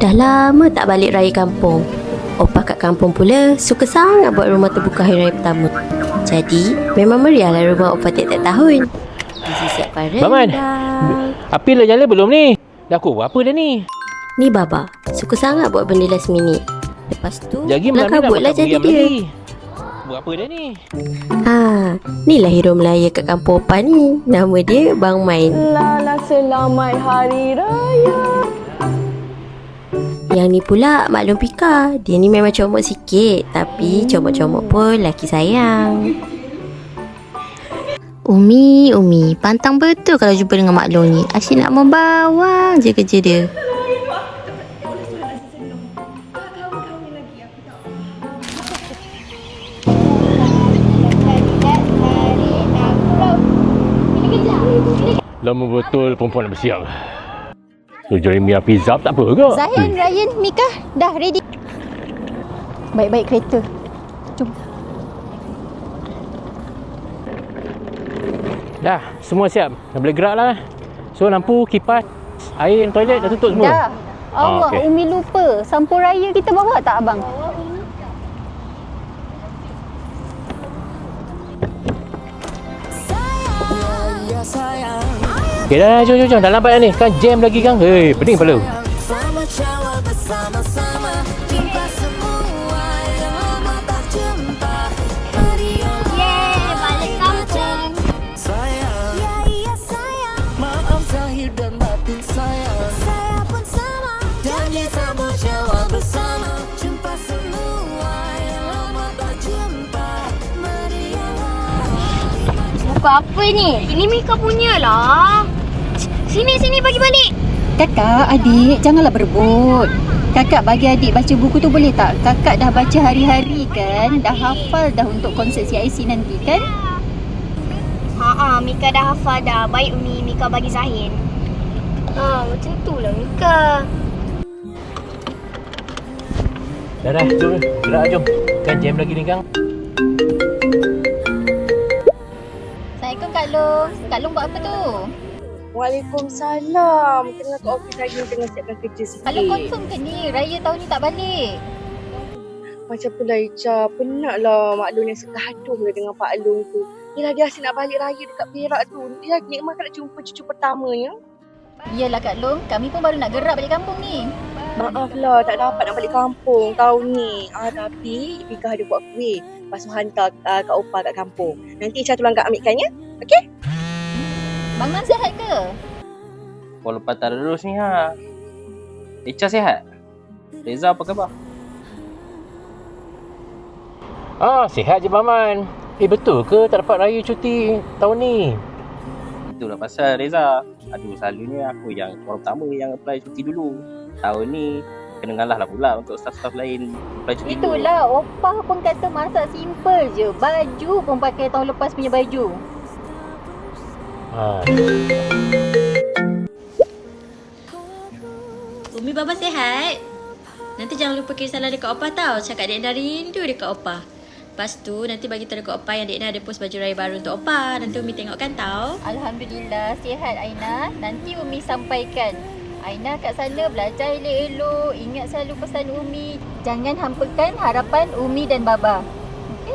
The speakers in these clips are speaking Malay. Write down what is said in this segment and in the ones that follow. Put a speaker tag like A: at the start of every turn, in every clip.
A: Dah lama tak balik raya kampung. Opah kat kampung pula suka sangat buat rumah terbuka hari raya pertama. Jadi memang meriahlah rumah Opah tiap-tiap tahun. Disiapkan
B: Baman,
A: rendang.
B: api dah nyala belum ni? Dah pukul apa dah ni?
A: Ni Baba suka sangat buat benda last minute. Lepas tu
B: Lagi
A: nak
B: malam ni nak
A: kabutlah
B: makan
A: jadi
B: meriam
A: dia.
B: lagi. Buat apa dah ni?
A: Inilah hero Melaya kat kampung Opah ni. Nama dia Bang Main.
C: Lala selamat hari raya.
A: Yang ni pula Maklum Pika. Dia ni memang comot sikit, tapi comot-comot pun laki sayang. Umi, pantang betul kalau jumpa dengan Mak Long ni. Asyik nak membawang je kerja dia.
B: Lama betul perempuan nak bersiap. So, Jeremy api zap tak apa ke?
D: Zahin, Ryan, Mika dah ready. Baik-baik kereta. Jom.
B: Dah, semua siap. Dah boleh gerak lah. So, lampu, kipas, air, toilet dah tutup semua?
D: Dah. Allah,
B: okey.
D: Umi lupa. Sampul raya kita bawa tak abang?
B: Okay dah, jom. Dah lambat dah ni. Kan jam lagi kan? Hei, pening kepala.
D: Yeay, balik kampung. Buku apa ni? Ini Mika punya lah. Sini bagi balik.
C: Kakak, adik, janganlah berebut. Kakak bagi adik baca buku tu boleh tak? Kakak dah baca hari-hari kan? Dah hafal dah untuk konsert CIC nanti kan?
D: Mika dah hafal dah. Baik Umi, Mika bagi Zahin. Macam tu lah Mika.
B: Dah, jom. Gerak jom. Kan jam lagi ni kan?
D: Assalamualaikum Kak Long. Kak Long buat apa tu?
C: Waalaikumsalam. Tengah kat office lagi, tengah siapkan kerja sikit.
D: Kalau confirm ke ni? Raya tahun ni tak balik.
C: Macam pula Ica, penatlah Mak Long yang suka haduh dengan Pak Long tu. Yelah, dia asyik nak balik raya dekat Perak tu. Dia nikmat nak jumpa cucu pertamanya.
D: Yelah Kak Long, kami pun baru nak gerak balik kampung ni.
C: Maaflah, tak dapat nak balik kampung tahun ni. Tapi Mika ada buat kuih. Lepas tu hantar Kak Opah kat kampung. Nanti Ica tolong Kak ambilkan ya. Okey?
D: Bang Man sihat ke?
E: Kau lepas terus ni ha. Echa sihat? Reza apa khabar?
B: Sihat je Baman. Betul ke tak dapat raya cuti tahun ni?
E: Itulah pasal Reza. Aduh, selalunya aku yang orang pertama yang apply cuti dulu. Tahun ni kena ngalah lah pula untuk staff-staff lain apply cuti dulu.
D: Itulah, Opah pun kata masak simple je. Baju pun pakai tahun lepas punya baju.
A: Umi Baba sihat? Nanti jangan lupa kirim salam dekat Opah tau. Cakap Dek Dah rindu dekat Opah. Lepas tu nanti bagi tahu dekat Opah yang Dek Dah ada post baju raya baru untuk Opah. Nanti Umi tengokkan tau.
D: Alhamdulillah, sihat Aina. Nanti Umi sampaikan. Aina kat sana belajar elok-elok. Ingat selalu pesan Umi. Jangan hampakan harapan Umi dan Baba. Okey?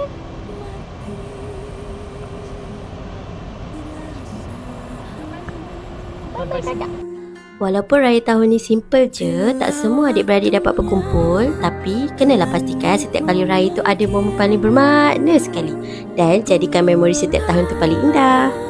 D: Bye-bye kakak.
A: Walaupun raya tahun ni simple je, tak semua adik-beradik dapat berkumpul, tapi kenalah pastikan setiap kali raya tu ada momen paling bermakna sekali dan jadikan memori setiap tahun tu paling indah.